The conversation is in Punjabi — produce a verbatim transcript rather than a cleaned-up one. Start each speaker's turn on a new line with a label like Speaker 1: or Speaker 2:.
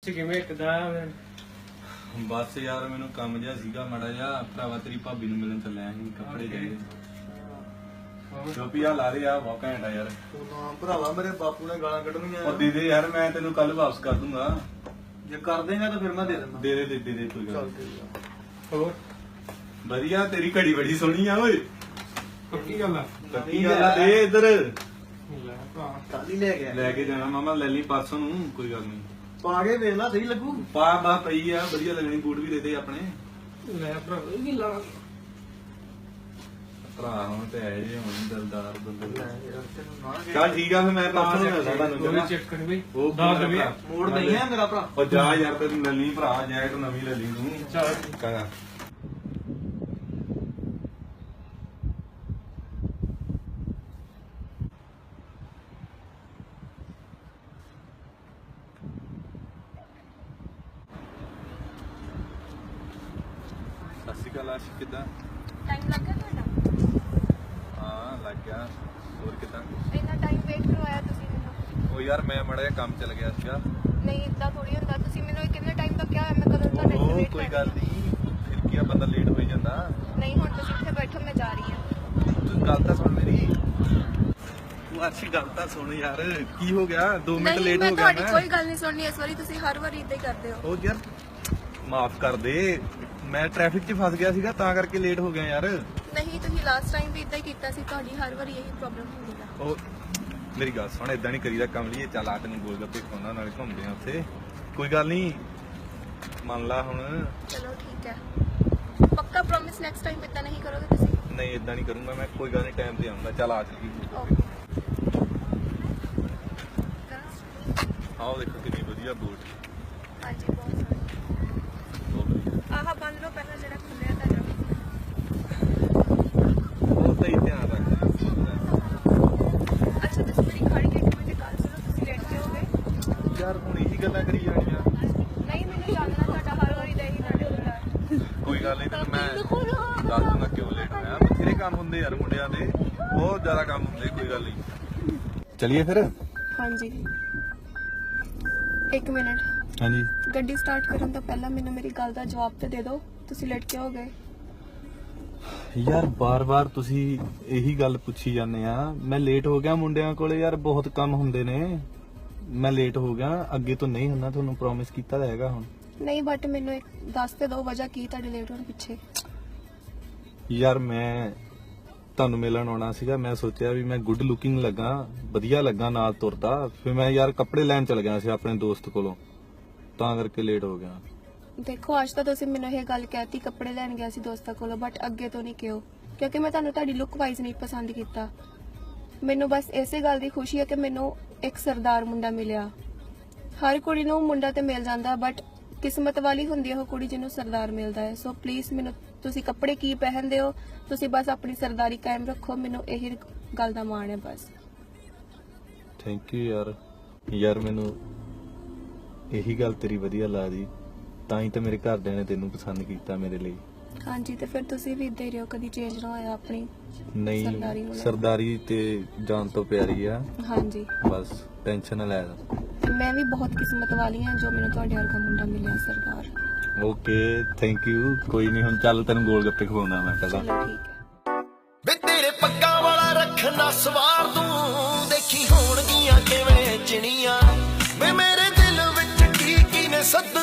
Speaker 1: ਕਿਵੇਂ ਇੱਕਦਾ
Speaker 2: ਬਸ ਯਾਰ ਮੈਨੂੰ ਕੰਮ ਜਿਹਾ ਸੀਗਾ ਮਾੜਾ ਜਿਹਾ ਭਰਾਵਾ ਤੇਰੀ ਭਾਬੀ ਨੂੰ ਮਿਲਣ ਚੱਲਿਆ ਸੀ ਕੱਪੜੇ ਚਾਹੀਦੇ ਚੋਪੀਆ ਲਾ ਦੇ ਆ ਬਹੁਤ ਘੈਂਟ ਆ ਯਾਰ
Speaker 3: ਤੂੰ ਨਾ ਭਰਾਵਾ ਮੇਰੇ ਬਾਪੂ ਨੇ ਗਾਲਾਂ ਕੱਢਣੀਆਂ
Speaker 2: ਉਹ ਦੇ ਦੇ ਯਾਰ ਮੈਂ ਤੈਨੂੰ ਕੱਲ ਵਾਪਸ ਕਰ ਦੂੰਗਾ
Speaker 3: ਜੇ ਕਰ ਦੇਗਾ ਤਾਂ ਫਿਰ ਮੈਂ ਦੇ ਦਿੰਦਾ
Speaker 2: ਦੇ ਦੇ ਦੇ ਦੇ ਦੇ ਕੋਈ ਗੱਲ
Speaker 3: ਚੱਲ
Speaker 2: ਨੀ।
Speaker 3: ਠੀਕ ਆ
Speaker 1: ਹੋਰ
Speaker 2: ਵਧੀਆ ਤੇਰੀ ਘੜੀ ਬੜੀ ਸੋਹਣੀ ਆ ਓਏ
Speaker 1: ਪੱਕੀ ਗੱਲ ਆ
Speaker 2: ਕੱਟੀ ਗੱਲ ਆ ਦੇ ਇੱਧਰ
Speaker 1: ਲੈ ਭਾ
Speaker 3: ਕੱਲ ਹੀ ਲੈ ਗਿਆ
Speaker 2: ਲੈ ਕੇ ਜਾਣਾ ਮਾਮਾ ਲੈ ਲਈ ਪਰਸੋਂ ਨੂੰ ਕੋਈ ਗੱਲ ਨਹੀਂ
Speaker 3: ਪਾ ਕੇ ਵੇਖ ਲਾ ਸਹੀ ਲੱਗੂ
Speaker 2: ਪਾ ਬਾ ਪਈ ਆ ਵਧੀਆ ਲੱਗਣੀ ਬੂਟ ਵੀ ਦੇ ਦੇ ਆਪਣੇ
Speaker 1: ਲੈ ਭਰਾ ਇਹ ਕੀ ਲਾ
Speaker 2: ਭਰਾ ਹੁਣ ਤੇ ਐ ਜੇ ਹੁਣ ਦਿਲਦਾਰ ਬੰਦੇ
Speaker 3: ਲੈ ਯਾਰ ਤੈਨੂੰ ਨਾ ਕਹਿ-
Speaker 2: ਚੱਲ ਠੀਕ ਆ ਫਿਰ ਮੈਂ ਪਰਸੋਂ ਨੂੰ ਮਿਲਦਾ ਤੁਹਾਨੂੰ
Speaker 1: ਉਹ ਵੀ
Speaker 2: ਚੰਗਾ?
Speaker 1: ਚੈੱਕ ਕਰ ਬਈ
Speaker 2: ਉਹ
Speaker 1: ਦੱਸ
Speaker 2: ਮੇਰਾ
Speaker 1: ਦੇ
Speaker 2: ਭਰਾ।
Speaker 3: ਮੋੜ ਨਹੀਂ ਹੈ ਮੇਰਾ ਭਰਾ
Speaker 2: ਉਹ ਜਾ ਯਾਰ ਤੈਨੂੰ ਮਿਲਣੀ ਭਰਾ ਜੈਕਟ ਨਵੀਂ ਲੈ ਲਈ ਤੂੰ
Speaker 1: ਚੱਲ
Speaker 2: ਚੰਗਾ ਸਤਿ ਸ਼੍ਰੀ ਅਕਾਲ ਆਸ਼ਿਕ ਕਿੱਦਾਂ
Speaker 4: ਟਾਈਮ ਲੱਗ ਗਿਆ ਤੁਹਾਡਾ
Speaker 2: ਹਾਂ ਲੱਗ ਗਿਆ ਹੋਰ ਕਿੱਦਾਂ
Speaker 4: ਇੰਨਾ ਟਾਈਮ ਵੇਟ ਕਰਵਾਇਆ ਤੁਸੀਂ ਮੈਨੂੰ
Speaker 2: ਉਹ ਯਾਰ ਮੈਂ ਮਾੜਾ ਜਿਹਾ ਕੰਮ ਚੱਲ ਗਿਆ ਸੀਗਾ
Speaker 4: ਨਹੀਂ ਇਦਾਂ ਥੋੜੀ ਹੁੰਦਾ ਤੁਸੀਂ ਮੈਨੂੰ ਕਿੰਨੇ ਟਾਈਮ ਤੱਕ ਕਿਹਾ ਮੈਂ ਕਦੋਂ ਤੁਹਾਡੇ
Speaker 2: ਉਹ
Speaker 4: ਵੇਟ
Speaker 2: ਕੋਈ ਗੱਲ ਨਹੀਂ ਫਿਰ ਕੀ ਆ ਬੰਦਾ ਲੇਟ ਹੋ ਹੀ ਜਾਂਦਾ
Speaker 4: ਨਹੀਂ ਹੁਣ ਤੁਸੀਂ ਇੱਥੇ ਬੈਠੋ ਮੈਂ ਜਾ ਰਹੀ ਹਾਂ
Speaker 2: ਤੂੰ ਗੱਲ ਤਾਂ ਸੁਣ ਮੇਰੀ ਤੂੰ ਅੱਛੀ ਗੱਲ ਤਾਂ ਸੁਣ ਯਾਰ ਕੀ ਹੋ ਗਿਆ ਦੋ ਮਿੰਟ
Speaker 4: ਨਹੀਂ
Speaker 2: ਲੇਟ
Speaker 4: ਮੈਂ
Speaker 2: ਹੋ ਗਿਆ
Speaker 4: ਤੁਹਾਡੀ
Speaker 2: ਮੈਂ
Speaker 4: ਕੋਈ ਗੱਲ ਨਹੀਂ ਸੁਣਨੀ ਇਸ ਵਾਰੀ ਤੁਸੀਂ ਹਰ ਵਾਰੀ ਇਦਾਂ ਹੀ ਕਰਦੇ ਹੋ
Speaker 2: ਉਹ ਯਾਰ ਮਾਫ ਕਰ ਦੇ ਮੈਂ ਟ੍ਰੈਫਿਕ 'ਚ ਫਸ ਗਿਆ ਸੀਗਾ ਤਾਂ ਕਰਕੇ ਲੇਟ ਹੋ ਗਿਆ ਯਾਰ
Speaker 4: ਨਹੀਂ ਤੁਸੀਂ ਲਾਸਟ ਟਾਈਮ ਵੀ ਇਦਾਂ ਹੀ ਕੀਤਾ ਸੀ ਤੁਹਾਡੀ ਹਰ ਵਾਰੀ ਇਹੀ ਪ੍ਰੋਬਲਮ ਹੁੰਦੀ ਹੈ
Speaker 2: ਉਹ ਮੇਰੀ ਗੱਲ ਸੁਣ ਇਦਾਂ ਨਹੀਂ ਕਰੀਦਾ ਕੰਮ ਲਈ ਚੱਲ ਆ ਤੈਨੂੰ ਗੋਲ ਗੱਪੇ ਖਵਾਉਣਾ ਨਾਲੇ ਘੁੰਮਦੇ ਆ ਉੱਥੇ ਕੋਈ ਗੱਲ ਨਹੀਂ ਮੰਨ ਲਾ ਹੁਣ
Speaker 4: ਚਲੋ ਠੀਕ ਹੈ ਪੱਕਾ ਪ੍ਰੋਮਿਸ ਨੈਕਸਟ ਟਾਈਮ ਇਦਾਂ ਨਹੀਂ ਕਰੋਗੇ ਤੁਸੀਂ
Speaker 2: ਨਹੀਂ ਇਦਾਂ ਨਹੀਂ ਕਰੂੰਗਾ ਮੈਂ ਕੋਈ ਗੱਲ ਨਹੀਂ ਟਾਈਮ ਤੇ ਆਉਂਦਾ ਚੱਲ ਆ ਚੱਲੀ
Speaker 4: ਓਕੇ
Speaker 2: ਆਓ ਦੇਖੋ ਕਿੰਨੀ ਵਧੀਆ ਬੋਟ
Speaker 4: ਹਾਂਜੀ ਬਹੁਤ ਸੋਹਣੀ
Speaker 2: ਬਹੁਤ ਵਧੀਆ
Speaker 4: ਆਹ ਬੰਦ ਲਓ ਪਹਿਲਾਂ ਜਿਹੜਾ ਖੁੱਲਿਆ ਤੁਹਾਡਾ
Speaker 2: ਉਹ ਤਾਂ ਹੀ ਧਿਆਨ ਰੱਖ
Speaker 4: ਅੱਛਾ ਤੁਸੀਂ ਮੇਰੀ ਖੜੀ ਕੇ ਮਿੰਟ ਗੱਲ ਸੁਣੋ ਤੁਸੀਂ ਲੇਟ ਜਾਓਗੇ
Speaker 2: ਯਾਰ ਹੁਣ ਇਹੀ ਗੱਲਾਂ ਕਰੀ ਜਾਣੀਆਂ
Speaker 4: ਨਹੀਂ ਮੈਨੂੰ ਜਾਣਨਾ ਤੁਹਾਡਾ ਹਰ ਵਾਰੀ ਦਾ ਹੀ ਤੁਹਾਡੇ ਹੁੰਦਾ ਹੈ
Speaker 2: ਕੋਈ ਗੱਲ ਨਹੀਂ ਤੈਨੂੰ ਮੈਂ ਦੱਸ ਦੂੰਗਾ ਕਿਉਂ ਲੇਟ ਹੋਇਆ ਬਥੇਰੇ ਕੰਮ ਹੁੰਦੇ ਯਾਰ ਮੁੰਡਿਆਂ ਦੇ ਬਹੁਤ ਜ਼ਿਆਦਾ ਕੰਮ ਹੁੰਦੇ ਕੋਈ ਗੱਲ ਨਹੀਂ ਚਲਿਏ ਫਿਰ
Speaker 4: ਹਾਂਜੀ ਇੱਕ ਮਿੰਟ
Speaker 2: ਹਾਂਜੀ
Speaker 4: ਗੱਡੀ ਸਟਾਰਟ ਕਰਨ ਤੋਂ ਪਹਿਲਾਂ ਮੈਨੂੰ ਮੇਰੀ ਗੱਲ ਦਾ ਜਵਾਬ ਤੇ ਦੇ ਦਿਓ ਤੁਸੀਂ ਲੇਟ ਕਿਉਂ ਹੋ ਗਏ
Speaker 2: ਯਾਰ ਬਾਰ-ਬਾਰ ਤੁਸੀਂ ਇਹੀ ਗੱਲ ਪੁੱਛੀ ਜਾਂਦੇ ਆ ਮੈਂ ਲੇਟ ਹੋ ਗਿਆ ਮੁੰਡਿਆਂ ਕੋਲੇ ਯਾਰ ਬਹੁਤ ਕੰਮ ਹੁੰਦੇ ਨੇ ਮੈਂ ਲੇਟ ਹੋ ਗਿਆ ਅੱਗੇ ਤੋਂ ਨਹੀਂ ਹੁੰਦਾ ਤੁਹਾਨੂੰ ਪ੍ਰੋਮਿਸ ਕੀਤਾ ਤਾਂ ਹੈਗਾ ਹੁਣ
Speaker 4: ਨਹੀਂ ਬਟ ਮੈਨੂੰ ਇੱਕ ਦੱਸ ਤੇ ਦਿਓ ਵਜ੍ਹਾ ਕੀ ਤੁਹਾਡੇ ਲੇਟ ਹੋਣ ਪਿੱਛੇ
Speaker 2: ਯਾਰ ਮੈਂ ਤੁਹਾਨੂੰ ਮਿਲਣ ਆਉਣਾ ਸੀਗਾ ਮੈਂ ਸੋਚਿਆ ਵੀ ਮੈਂ ਗੁੱਡ ਲੁਕਿੰਗ ਲੱਗਾ ਵਧੀਆ ਲੱਗਾ ਨਾਲ ਤੁਰਦਾ ਫਿਰ ਮੈਂ ਯਾਰ ਕੱਪੜੇ ਲੈਣ ਚਲ ਗਿਆ ਸੀ ਆਪਣੇ ਦੋਸਤ ਕੋਲੋਂ ਤਾਂ ਕਰਕੇ ਲੇਟ ਹੋ ਗਿਆ
Speaker 4: ਦੇਖੋ ਅੱਜ ਤਾਂ ਤੁਸੀਂ ਮੈਨੂੰ ਇਹ ਗੱਲ ਕਹਿਤੀ ਕੱਪੜੇ ਲੈਣ ਗਿਆ ਸੀ ਦੋਸਤਾਂ ਕੋਲੋਂ ਬਟ ਅੱਗੇ ਤੋਂ ਨਹੀਂ ਕਿਉਂ ਕਿਉਂਕਿ ਮੈਂ ਤੁਹਾਨੂੰ ਤੁਹਾਡੀ ਲੁੱਕ ਵਾਈਜ਼ ਨਹੀਂ ਪਸੰਦ ਕੀਤਾ ਮੈਨੂੰ ਬਸ ਇਸੇ ਗੱਲ ਦੀ ਖੁਸ਼ੀ ਹੈ ਕਿ ਮੈਨੂੰ ਇੱਕ ਸਰਦਾਰ ਮੁੰਡਾ ਮਿਲਿਆ ਹਰ ਕੁੜੀ ਨੂੰ ਮੁੰਡਾ ਤੇ ਮਿਲ ਜਾਂਦਾ ਬਟ ਕਿਸਮਤ ਵਾਲੀ ਹੁੰਦੀ ਹੈ ਉਹ ਕੁੜੀ ਜਿਹਨੂੰ ਸਰਦਾਰ ਮਿਲਦਾ ਹੈ ਸੋ ਪਲੀਜ਼ ਮੈਨੂੰ ਤੁਸੀਂ ਕੱਪੜੇ ਕੀ ਪਹਿਨਦੇ ਹੋ ਤੁਸੀਂ ਬਸ ਆਪਣੀ ਸਰਦਾਰੀ ਕਾਇਮ ਰੱਖੋ ਮੈਨੂੰ ਇਹ ਗੱਲ ਦਾ ਮਾਣ ਹੈ ਬਸ
Speaker 2: ਥੈਂਕ ਯੂ ਯਾਰ ਯਾਰ ਮੈਨੂੰ ਇਹੀ ਗੱਲ ਤੇਰੀ ਵਧੀਆ ਲੱਗਦੀ ਤਾਂ ਹੀ ਤਾਂ ਮੇਰੇ ਘਰਦਿਆਂ ਨੇ ਤੈਨੂੰ ਪਸੰਦ ਕੀਤਾ ਮੇਰੇ ਲਈ
Speaker 4: ਹਾਂਜੀ ਤੇ ਫਿਰ ਤੁਸੀਂ ਵੀ ਇੱਦਾਂ ਹੀ ਰਹੋ ਕਦੀ ਚੇਂਜ ਨਾ ਹੋਇਆ ਆਪਣੀ ਸਰਦਾਰੀ
Speaker 2: ਨਹੀਂ
Speaker 4: ਨੂੰ ਲੈ ਕੇ।
Speaker 2: ਸਰਦਾਰੀ ਤੇ ਜਾਨ ਤੋਂ ਪਿਆਰੀ ਆ
Speaker 4: ਹਾਂਜੀ
Speaker 2: ਬਸ ਟੈਨਸ਼ਨ ਨਾ ਲੈ
Speaker 4: ਤੇ ਮੈਂ ਵੀ ਬਹੁਤ ਕਿਸਮਤ ਵਾਲੀ ਹਾਂ ਜੋ ਮੈਨੂੰ ਤੁਹਾਡੇ ਵਰਗਾ ਮੁੰਡਾ ਮਿਲਿਆ ਸਰਦਾਰ
Speaker 2: ਓਕੇ ਥੈਂਕ ਯੂ ਕੋਈ ਨਹੀਂ ਹੁਣ ਚੱਲ ਤੈਨੂੰ ਗੋਲ ਗੱਪੇ ਖਵਾਉਣਾ ਮੈਂ ਪਹਿਲਾਂ
Speaker 4: ਚਲੋ ਠੀਕ ਹੈ
Speaker 5: ਵੇ ਤੇਰੇ ਪੱਗਾਂ ਵਾਲਾ ਰੱਖਣਾ ਸਵਾਰ ਤੂੰ ਦੇਖੀ ਹੋਣਗੀਆਂ ਕਿਵੇਂ ਚਿਣੀਆਂ ਵੇ ਮੇਰੇ ਦਿਲ ਵਿੱਚ ਕੀ ਕੀ ਨੇ ਸੱਦ